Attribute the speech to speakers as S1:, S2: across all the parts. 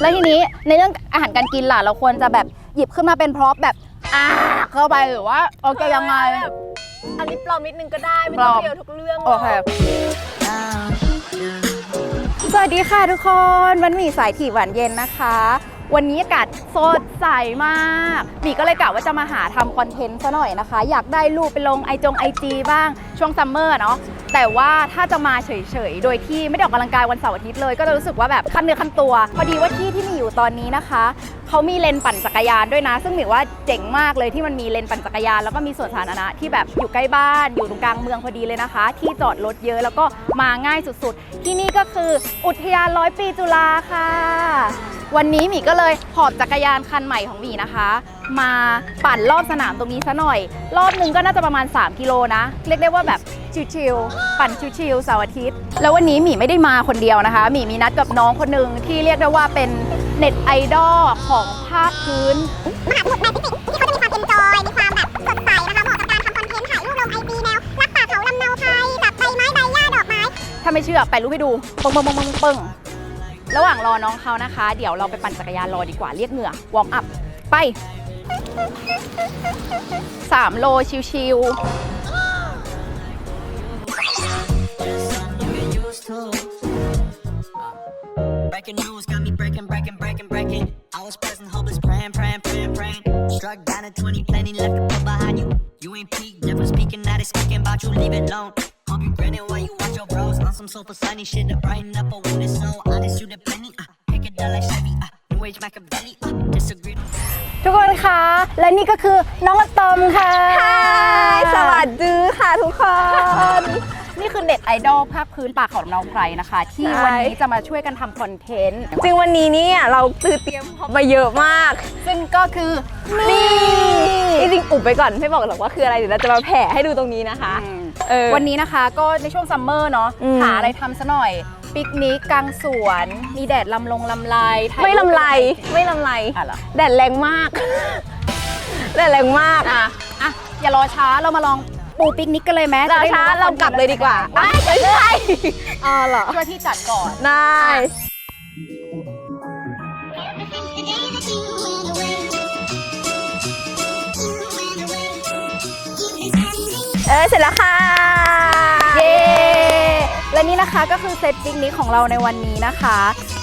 S1: แล้วทีนี้ในเรื่องอาหารการกินล่ะเราควรจะแบบหยิบขึ้นมาเป็นพร็อพแบบเข้าไปหรือว่าโอเคยังไง
S2: อันนี้ปลอมนิดนึงก็ได้ไม่ต้องเรียวทุกเรื่อง
S1: โอเคสวัสดีค่ะทุกคนมันมีสายถี่หวานเย็นนะคะวันนี้อากาศสดใสมากหมีก็เลยกะว่าจะมาหาทำคอนเทนต์ซะหน่อยนะคะอยากได้รูปไปลงไอจีบ้างช่วงซัมเมอร์เนาะแต่ว่าถ้าจะมาเฉยๆโดยที่ไม่ได้ออกกำลังกายวันเสาร์อาทิตย์เลยก็จะรู้สึกว่าแบบคันเนื้อคันตัวพอดีว่าที่มีอยู่ตอนนี้นะคะเขามีเลนปั่นจักรยานด้วยนะซึ่งหมีว่าเจ๋งมากเลยที่มันมีเลนปั่นจักรยานแล้วก็มีสวนสาธารณะที่แบบอยู่ใกล้บ้านอยู่ตรงกลางเมืองพอดีเลยนะคะที่จอดรถเยอะแล้วก็มาง่ายสุดๆที่นี่ก็คืออุทยาน100 ปีจุฬาค่ะวันนี้หมีก็เลยหอบจักรยานคันใหม่ของหมีนะคะมาปั่นรอบสนามตรงนี้ซะหน่อยรอบนึงก็น่าจะประมาณ3 กิโลนะเรียกได้ว่าแบบชิลๆปั่นชิลๆเสาร์อาทิตย์แล้ววันนี้หมีไม่ได้มาคนเดียวนะคะหมีมีนัดกับน้องคนหนึ่งที่เรียกได้ว่าเป็นเน็ตไอดอลของภาคพื้น
S3: มหาสมุทรแปซิฟิกที่เขาจะมีความเอนจอยมีความแบบสดใสนะคะเหมาะกับการทำคอนเทนต์ถ่ายรูปลงไอจีแนวรักป่าเขาลำเนาไทยกับใบไม้ใบหญ้าดอกไม้
S1: ถ้าไม่เชื่อไปรูปให้ดูปึ้งระหว่างรอน้องเขานะคะเดี๋ยวเราไปปั่นจักรยานรอดีกว่าเรียกเหงื่อวอร์มอัพไป3 โลชิว
S4: Breaking news got me breaking. I was pressing hopeless, praying. Struck down at 20, plenty left to put behind you. You ain't peaked, never speaking, now they speaking about you, leave it alone. Hope you grinning while you watch your bros on some super sunny shit to brighten up a when it's so honest, you the penny. Pick it down like Chevy, New Age Machiavelli, disagree.
S1: ทุกคนคะและนี่ก็คือน้องอะตอมค่ะ
S2: สวัสดีค่ะทุกคน
S1: นี่คือเน็ตไอดอลภาคพื้นป่าเขาลำเนาไพรนะคะที่วันนี้จะมาช่วยกันทำคอนเทนต์
S2: จริงวันนี้เนี่ยเราเตรียมมาเยอะมาก
S1: ซึ่งก็คือ
S2: นี่จริงอุบไปก่อนไม่บอกหรอกว่าคืออะไรเดี๋ยวเราจะมาแผ่ให้ดูตรงนี้นะคะ
S1: วันนี้นะคะก็ในช่วงซัมเมอร์เนาะหาอะไรทำซะหน่อยปิกนิกกลางสวนมีแดดลำไร
S2: ไม่ลำไรแดดแรงมากแดดแรงมาก
S1: อย่ารอช้าเรามาลองปูปิกนิกกันเลยไหม
S2: รอช้าเรากลับเลยดีกว่าไม่ใช่
S1: เหรอช่วยพี่จัดก่อน
S2: ได้เสร็จแล้วค่ะ
S1: เย้และนี่นะคะก็คือเซตปิกนิกของเราในวันนี้นะคะ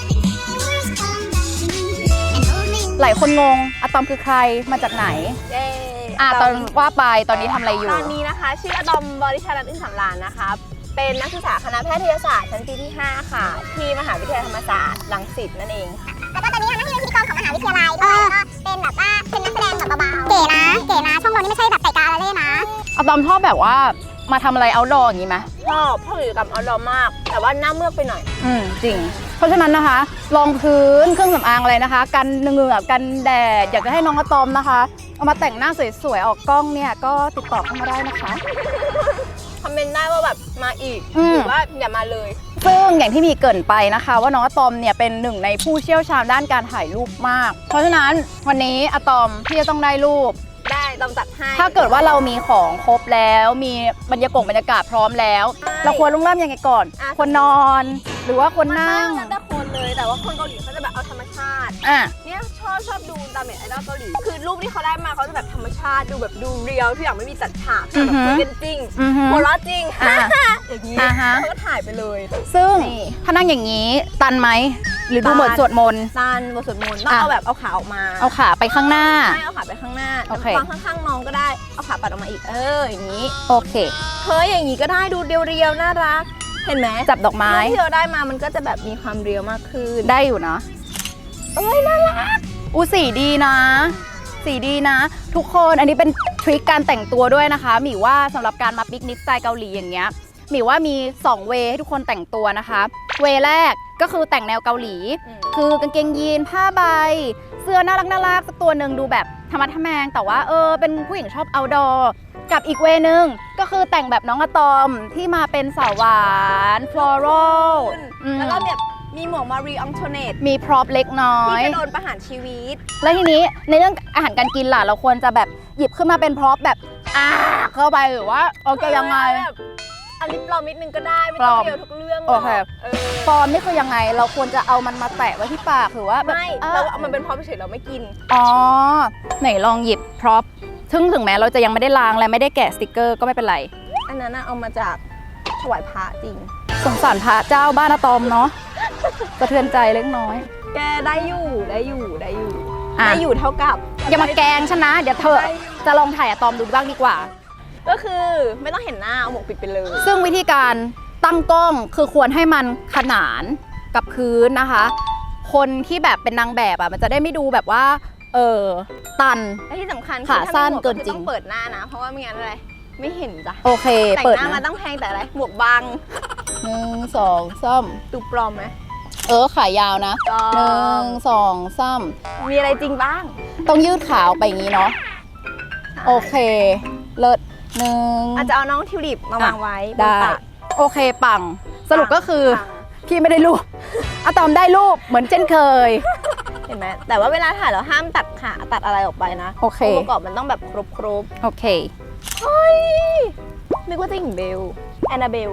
S1: หลายคนงงอะตอมคือใครมาจากไหนตอนว่าไปตอนนี้ทำอะไรอยู่
S2: ตอนนี้นะคะชื่ออะตอมบริชารัตน์อึ้งสำราญนะคะเป็นนักศึกษาคณะแพทยศาสตร์ชั้นปีที่5ค่ะที่มหาวิทยาลัยธรรมศาสตร์รังสิตนั่นเองค่ะ
S3: แล้วก็ตอนนี้ทำหน้าที่เป็นพิธีกรของมหาวิทยาลัยด้วยก็เป็นแบบว่าเป็นนักแสดงแบบเบาๆเก๋นะช่องเรานี่ไม่ใช่แบบไก่กาละเล่นะ
S1: อะตอมชอบแบบว่ามาทำอะไรเอาท์ดอร์อย่างนี้ไหม
S2: ชอบกิจกรรมเอาท์ดอร์มากแต่ว่าหน้าเมือกไปหน่อย
S1: จริงเพราะฉะนั้นนะคะรองพื้นเครื่องสำอางอะไรนะคะกันเหงื่อกันแดดอยากจะให้น้องอะตอมนะคะเอามาแต่งหน้าสวยๆออกกล้องเนี่ยก็ติดต่อเข้ามาได้นะคะ
S2: คอมเมนต์ได้ว่าแบบมาอีกหรือว่าอย่ามาเลย
S1: ซึ่งอย่างที่มีเกริ่นไปนะคะว่าน้องอะตอมเนี่ยเป็นหนึ่งในผู้เชี่ยวชาญด้านการถ่ายรูปมากเพราะฉะนั้นวันนี้อะตอมพี่จะต้องได้รูป
S2: ต้องจัดให้
S1: ถ้าเกิดว่าเรามีของครบแล้วมีบรรยากาศพร้อมแล้วเราควรเริ่มยังไงก่อนคนนอนหรือว่าคนนั่ง
S2: แต่คนเลยแต่ว่าคนเกาหลีเขาจะแบบเอาธรรมชาติเนี่ยชอบดูตามเน็ตไอดอลเกาหลีคือรูปที่เขาได้มาเขาจะแบบธรรมชาติดูแบบดูเรียลทุกอย่างไม่มีจัดฉากแบบคุยกันจริงหัวเราะจริงอย่างนี้เขาก็ถ่ายไปเลย
S1: ซึ่งถ้านั่งอย่างนี้ตันไหมหรือดูบทสวดมนต์
S2: ตันบทสวดมนต์ต้องเอาแบบเอาขาออกมา
S1: เอาขาไปข้างหน้า
S2: ไม่เอาขาไปข้างหน้าฟังข้างๆน้องก็ได้เอาขาปัดออกมาอีกอย่างนี้
S1: โอเค
S2: อย่างนี้ก็ได้ดูเรียวๆน่ารักเห็นไหม
S1: จับดอกไม้
S2: ที่เราได้มามันก็จะแบบมีความเรียวมากขึ้น
S1: ได้อยู่นะ
S2: น่ารัก
S1: สีดีนะทุกคนอันนี้เป็นทริคการแต่งตัวด้วยนะคะหมีว่าสำหรับการมาปิกนิกสไตล์เกาหลีอย่างเงี้ยหมีว่ามี2เวให้ทุกคนแต่งตัวนะคะเวแรกก็คือแต่งแนวเกาหลีคือกางเกงยีนผ้าใบเสื้อน่ารักสักตัวหนึ่งดูแบบธรรมะทแมงแต่ว่าเป็นผู้หญิงชอบเอาท์ดอร์กับอีกเวนึงก็คือแต่งแบบน้องอะตอมที่มาเป็นสาวหวานฟลอรัล
S2: แล้วก็แบบมีหมวกมารีอองโทเนต
S1: มีพร็อพเล็กน้อย
S2: ที่จะโดนประหารชีวิต
S1: แล้วทีนี้ในเรื่องอาหารการกินล่ะเราควรจะแบบหยิบขึ้นมาเป็นพร็อพแบบเข้าไปหรือว่าโอเคยังไง
S2: อันนี้ปลอมนิดนึงก็ได้ไม่ต้องเดียวทุกเรื่องหร
S1: โอ
S2: อก
S1: เค
S2: เออ
S1: ปลอมนี่คือยังไงเราควรจะเอามันมาแตะไว้ที่ปากหรือว่าแบบ
S2: ไม่เราเอามันเป็นพร็อพเฉยๆเราไม่กิน
S1: อ๋อไหนลองหยิบพร็อพถึงแม้เราจะยังไม่ได้ล้างและไม่ได้แกะสติกเกอร์ก็ไม่เป็นไร
S2: อันนั้นน่ะเอามาจากถวายพระจริง
S1: สงสารพระเจ้าบ้านอะตอมเนาะสะเทือนใจเล็กน้อย
S2: แกได้อยู่ได้อยู่ได้อยู่
S1: อ่ะ
S2: ได้อยู่เท่ากับ
S1: อย่ามาแกล้งฉันนะเดี๋ยวเธอจะลองถ่ายอะตอมดูบ้างดีกว่า
S2: ก็คือไม่ต้องเห็นหน้าเอาหมวกปิดไปเลย
S1: ซึ่งวิธีการตั้งกล้องคือควรให้มันขนานกับพื้นนะคะ คนที่แบบเป็นนางแบบอ่ะมันจะได้ไม่ดูแบบว่าตัน
S2: และที่สำคัญ
S1: ขาสั้นเกินจริง
S2: ต้องเปิดหน้านะ เพราะว่าไม่งั้นอะไรไม่เห็นจ้ะ
S1: โอเค
S2: แต่ง
S1: เปิด
S2: หน้ามา
S1: นะ
S2: ต้องแพงแต่อะไรหมวกบัง
S1: 1 2 3
S2: ดูปลอมไหม
S1: ขายาวนะ
S2: ปลอม
S1: 1 2 3
S2: มีอะไรจริงบ้าง
S1: ต้องยืดขาออกไปอย่างนี้เนาะโอเคเลิศ1
S2: อาจจะเอาน้องทิวลิปมาวางไว้บน
S1: ได้
S2: ตัก
S1: โอเคปังสรุปก็คือ
S2: ปัง
S1: พี่ไม่ได้รูปอะตอมได้รูปเหมือนเช่นเคย
S2: เห็นไหมแต่ว่าเวลาถ่ายเราห้ามตัดขาตัดอะไรออกไปนะ
S1: โอเค
S2: งค์ประกอบมันต้องแบบครบ
S1: โอเค
S2: เฮ้ยนึกว่าจะหญิงเบลแอนนาเบล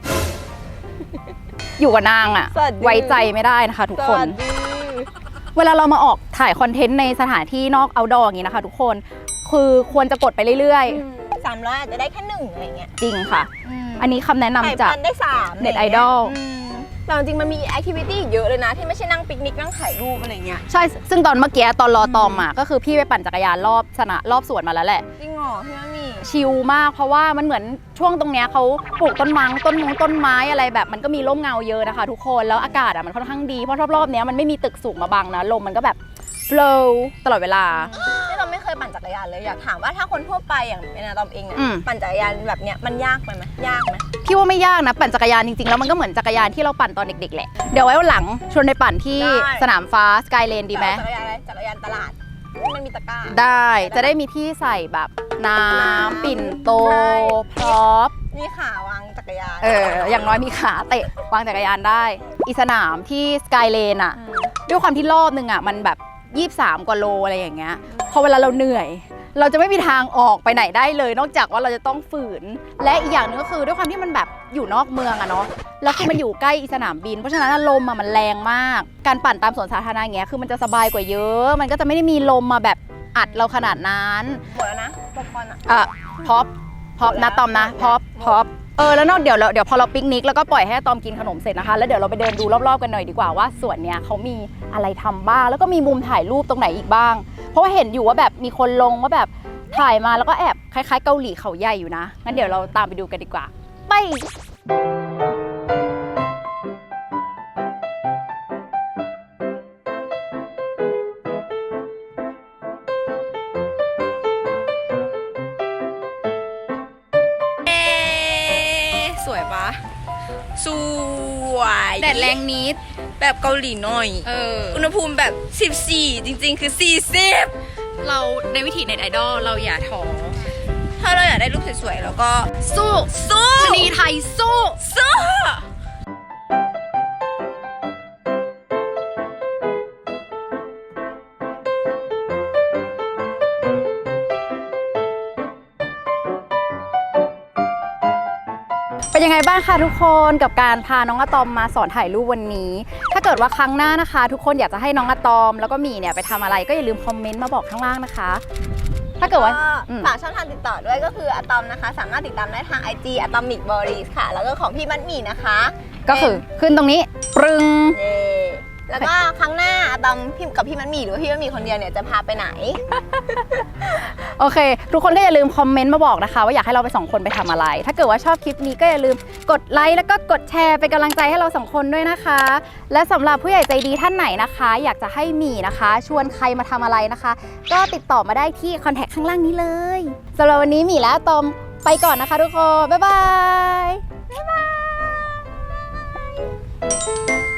S1: อยู่กับนางอะ
S2: สวัสดี
S1: ไว้ใจไม่ได้นะคะทุก
S2: ส
S1: คน
S2: วัสดี
S1: เวลาเรามาออกถ่ายคอนเทนต์ในสถานที่นอกเอาท์ดอร์อย่างนี้นะคะทุกคนคือควรจะกดไปเรื่อย
S2: 300อาจจะได้แค่1อะไรเงี้ย
S1: ๆ จริงค่ะ อันนี้คำแนะนำจาก
S2: ถ่ยพันได้3
S1: เน็ตไอดอล
S2: แต่จริงๆมันมีแอคทิวิตี้เยอะเลยนะ ที่ไม่ใช่นั่งปิกนิกนั่งถ่ายรูปอะไรเงี้ย
S1: ใช่ ซึ่งตอนเมื่อกี้ตอนรอตอมมาก็คือพี่ไปปั่นจักรยานรอบรอบสวนมาแล้วแหละ
S2: จริงเหรอพี่ว่ามี
S1: ชิลมากเพราะว่ามันเหมือนช่วงตรงเนี้ยเขาปลูกต้นต้นไม้อะไรแบบมันก็มีร่มเงาเยอะนะคะทุกคนแล้วอากาศอ่ะมันค่อนข้างดีเพราะรอบๆเนี้ยมันไม่มีตึกสูงมาบังนะลมมันก็แบบ flow ตลอดเวลา
S2: ที่เราไม่เคยปั่นจักรยานเลยอยากถามว่าถ้าคนทั่วไปอย่างเป็นอาตอมเองอะ
S1: อืม
S2: ปั่นจักรยานแบบเนี้ยมันยากไหมยากไหม
S1: พี่ว่าไม่ยากนะปั่นจักรยานจริงๆแล้วมันก็เหมือนจักรยานที่เราปั่นตอนเด็กๆแหละเดี๋ยวไว้วันหลังชวนไปปั่นที่สนามฟ้าสกายเลนดีไหม
S2: จักรยานอะไรจักรยานตลาดที่มันมีตะกร้า
S1: ได้จะได้มีที่ใส่แบบน้ำปิ่นโต
S2: ใช่
S1: พร็อพ
S2: นี่ขาวางจักรยาน
S1: อย่างน้อยมีขาเตะวางจักรยานได้อีสนามที่สกายเลนอะด้วยความที่รอบนึงอะมันแบบ23 กว่าโลอะไรอย่างเงี้ยพอเวลาเราเหนื่อย เราจะไม่มีทางออกไปไหนได้เลย นอกจากว่าเราจะต้องฝืน และอีกอย่างหนึงก็คือด้วยความที่มันแบบอยู่นอกเมืองอะเนาะแล้วคือมันอยู่ใกล้สนามบิน เพราะฉะนั้นลมอะมันแรงมาก การปั่นตามสวนสาธารณะอย่างเงี้ยคือมันจะสบายกว่าเยอะ มันก็จะไม่ได้มีลมมาแบบอัดเราขนาดนั้น
S2: หมดแล้วนะป๊อปคอร์นอะ
S1: พ็อปนะตอมนะพ็อปแล้วนอกเดี๋ยวพอเราปิกนิกแล้วก็ปล่อยให้ตอมกินขนมเสร็จนะคะแล้วเดี๋ยวเราไปเดินดูรอบๆกันหน่อยดีกว่าว่าสวนเนี้ยเขามีอะไรทำบ้างแล้วก็มีมุมถ่ายรูปตรงไหนอีกบ้าง เพราะว่าเห็นอยู่ว่าแบบมีคนลงว่าแบบถ่ายมาแล้วก็แอบคล้ายๆเกาหลีเขาใหญ่อยู่นะงั้นเดี๋ยวเราตามไปดูกันดีกว่าไปสวยปะ
S2: สวย
S1: แดดแรงนิด
S2: แบบเกาหลีหน่อย อุณหภูมิแบบ 14 จริงๆ คือ 40
S1: เราในวิถีเน็ตไอดอลเราอย่าท้อ
S2: ถ้าเราอยากได้รูปสวยๆ แล้วก็
S1: สู้
S2: สู้
S1: ชนีไทยสู้
S2: สู้
S1: เป็นยังไงบ้างคะทุกคนกับการพาน้องอะตอมมาสอนถ่ายรูปวันนี้ ถ้าเกิดว่าครั้งหน้านะคะ ทุกคนอยากจะให้น้องอะตอมแล้วก็หมีเนี่ยไปทำอะไรก็อย่าลืมคอมเมนต์มาบอกข้างล่างนะคะ ถ้าเกิดว่าอืม
S2: ฝากช่องทางติดต่อด้วยก็คืออะตอมนะคะ สามารถติดตามได้ทาง IG Atomic Boris ค่ะ แล้วก็ของพี่มัดหมี่นะคะ
S1: ก็คือขึ้นตรงนี้ปรึง
S2: เย่แล้วก็ครั้งหน้าอะตอมพิมกับพี่มัดหมี่หรือว่าพี่มัดหมี่คนเดียวเนี่ยจะพาไปไหน
S1: โอเค ทุกคนก็อย่าลืมคอมเมนต์มาบอกนะคะว่าอยากให้เราไปสองคนไปทำอะไร ถ้าเกิดว่าชอบคลิปนี้ก็อย่าลืมกดไลค์แล้วก็กดแชร์เป็นกำลังใจให้เราสองคนด้วยนะคะ และสำหรับผู้ใหญ่ใจดีท่านไหนนะคะ อยากจะให้หมีนะคะ ชวนใครมาทำอะไรนะคะ ก็ติดต่อมาได้ที่คอนแทคข้างล่างนี้เลยสำหรับวันนี้หมีและอะตอมไปก่อนนะคะทุกคนบ๊ายบาย